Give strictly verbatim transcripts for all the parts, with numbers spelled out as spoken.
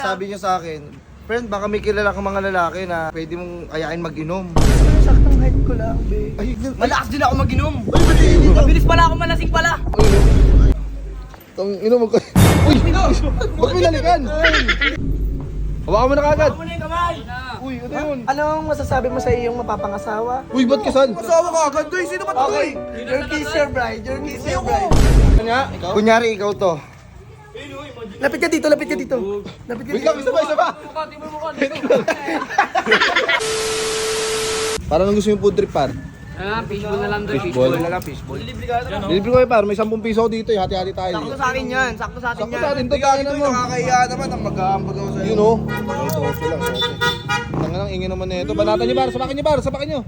Sabi niyo sa akin, friend, baka may kilala kang mga lalaki na pwede mong ayain mag-inom. Saktong height ko lang, be. Ay, Malakas din ako mag-inom. ay, ba't hindi ka? Mabilis pala ako, malasing pala. Tang ino mo ka. Uy, ba't may lalikan? Hawakan mo na kagad. Muna yung kamay. Uy, ano yun? Anong masasabi mo sa iyong mapapangasawa? Uy, ba't kasan? Asawa ka agad, guys. Sino ba ito? Okay, your kiss your bride, your kiss your bride. Kanya, ikaw? Kunyari, ikaw to. Lapit ka dito, lapit ka dito. Lapit ka Wait lang, dito. isa pa, isa pa. Parang nang gusto yung food trip, par. Ah, fishball na lang doon. Fishball. na lang, fishball. Libre ka ito. Libre ko kayo, par. May sampung piso ako dito, eh. Hati-hati tayo. Sakto sa akin yan. Sakto sa atin Sakto yan. sa atin to, tayo na mo. Nakakahiya naman ang mag-aambag ako sa'yo. Yun, oh. Ito, ito lang, ito. Tanga lang, ingin naman na ito. Banatan niyo, par. Sapakin niyo, par. Sapakin niyo.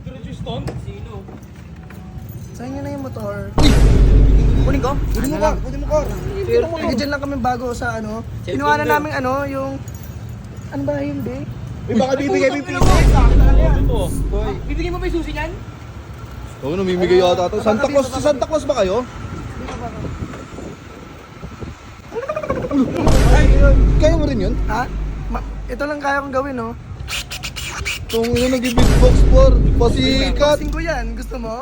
Saan nyo na yung motor? Kunin ko? Kunin mo, par. Kunin mo, par. Hindi, dyan lang kami bago sa ano. Kinuha na namin ano, yung... Ano ba yun, be? Uy, baka bibigay mo yung piso. Bibigyan mo ba yung susi niyan? Oo, namimigay yata ito. Santa Claus, si Santa Claus ba kayo? Kaya mo rin yun? Ha? Ma- ito lang kaya kong gawin, no? Itong yun, nag-beatbox for pasikat. Boxing ko yan, gusto mo?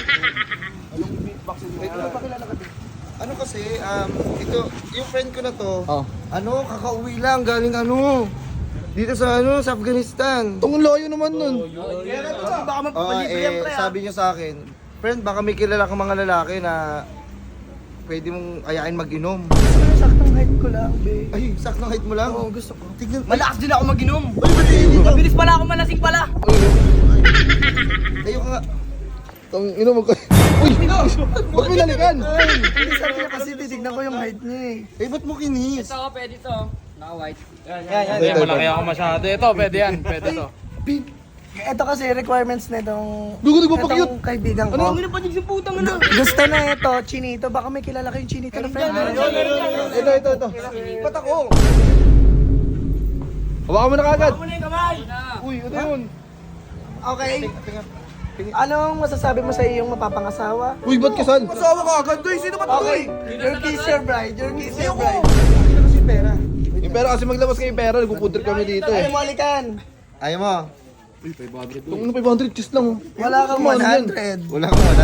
Ano kasi, um, ito, yung friend ko na to, Oh. ano, kakauwi lang, galing ano, dito sa ano, sa Afghanistan. Itong loyo naman nun. Baka Oh, magpapalibre yan, eh, pre. sabi niyo sa akin, friend, baka may kilala kang mga lalaki na pwede mong ayain mag-inom. Saktong height ko lang, be. Ay, saktong height mo lang. Oo, gusto ko. Tignan. Malakas din ako mag-inom. Ay, ba't hindi ka? Mabilis pala ako, malasing pala. Ayoko nga. Tang ino mo ka. Uy, ba't may lalikan? Hindi, sabi niya kasi titignan ko yung height niya eh. Eh, ba't mo kinis? Ito, pwede to. Naka-white. Yan, yan. Hindi, malaki ako masyado. Ito, pwede yan. Pwede to. Ito kasi requirements na itong... Dugo, nagpapakyut. itong kaibigan ko. Ano pa din sa putang ano? Gusto na ito, Chinito. Baka may kilala kayong Chinito na friend. Ito, ito, ito. Ba't ako? Hawakan mo na kagad. Muna yung kamay. Uy, ano yun? Okay. Anong masasabi mo sa iyong mapapangasawa? Uy, ba't kasan? Asawa ka agad, guys. Sino ba ito? Okay, your kiss your bride, your kiss your bride. Kasi pera. Yung pera kasi maglabas kayo yung pera, nagpupuntrip kami dito Ayaw eh. mo alikan. Ayaw mo? Itong ano, five hundred kiss lang oh. Wala kang Ano one yan? hundred. Wala kang wala?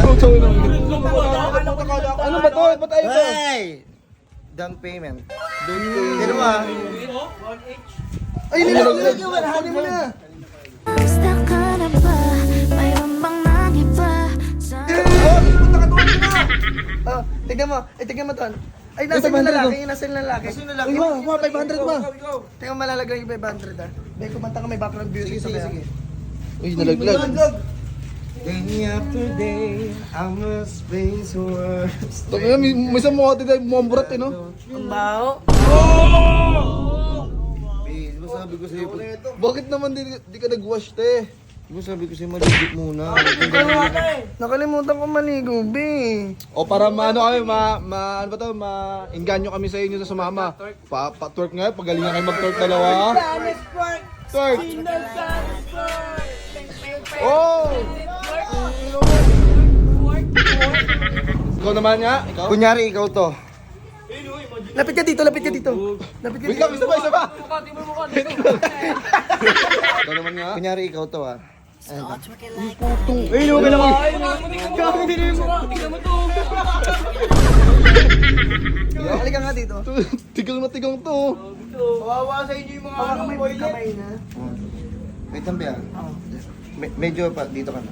Ano ba to? Ba't ayaw to? Hey! Down payment. Down payment. Sino ba? Ay, nilalaglag. Kunin mo na. Gusto ka na ba? Mayroon bang nag-iba? Sa Oh, tignan mo. Ay, tignan mo to. Ay, nasa yung lalaki, yung nasa yung lalaki. Kasi nalaki. Uy, ma, ma, five hundred ma. Tingnan malalagay yung five hundred ah. May kumanta ka, may background music sa kaya. Uy, nalaglag. Day after day, I must face words. Tangina, may may isang mukha tayo mukhang burat eh, no? Ang baho. Eh, di ba sabi ko sa'yo, bakit naman di, di ka nag-wash, te? Di ba sabi ko sa'yo, maligit muna. Nakalimutan ko maligo, be. O para maano kami, ma, ma, ano ba to, ma-inganyo kami sa inyo sa sumama. Pa, pa twerk nga, pagalingan kayo mag-twerk dalawa. Twerk! Oh! Ikaw naman nga, ikaw? Kunyari, ikaw to. Lapit ka dito, lapit ka dito. Lapit ka Wait dito. lang, isa pa, isa pa! Ikaw naman nga. Kunyari, ikaw to ah. Putong. Eh, no, kailangan. Halika nga dito. Tigang na tigang to. Kawawa sa inyo yung mga Baka ano, may boy. kamay na. Wait lang, Bea. Me- medyo pa, dito ka na.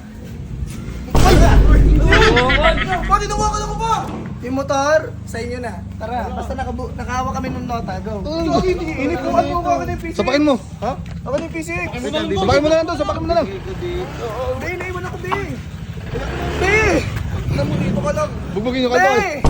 Pati nawakan ako pa! Yung motor, sa inyo na. Tara, basta nakabu nakahawa kami ng nota, go. Inip ko ano ako na yung P C. Sapakin mo. Ha? Ako na yung P C. Sapakin mo na lang to, sapakin mo na lang. Be, naiwan ako, be. Be! Alam mo dito ka lang. Bugbugin yung kanto. Be!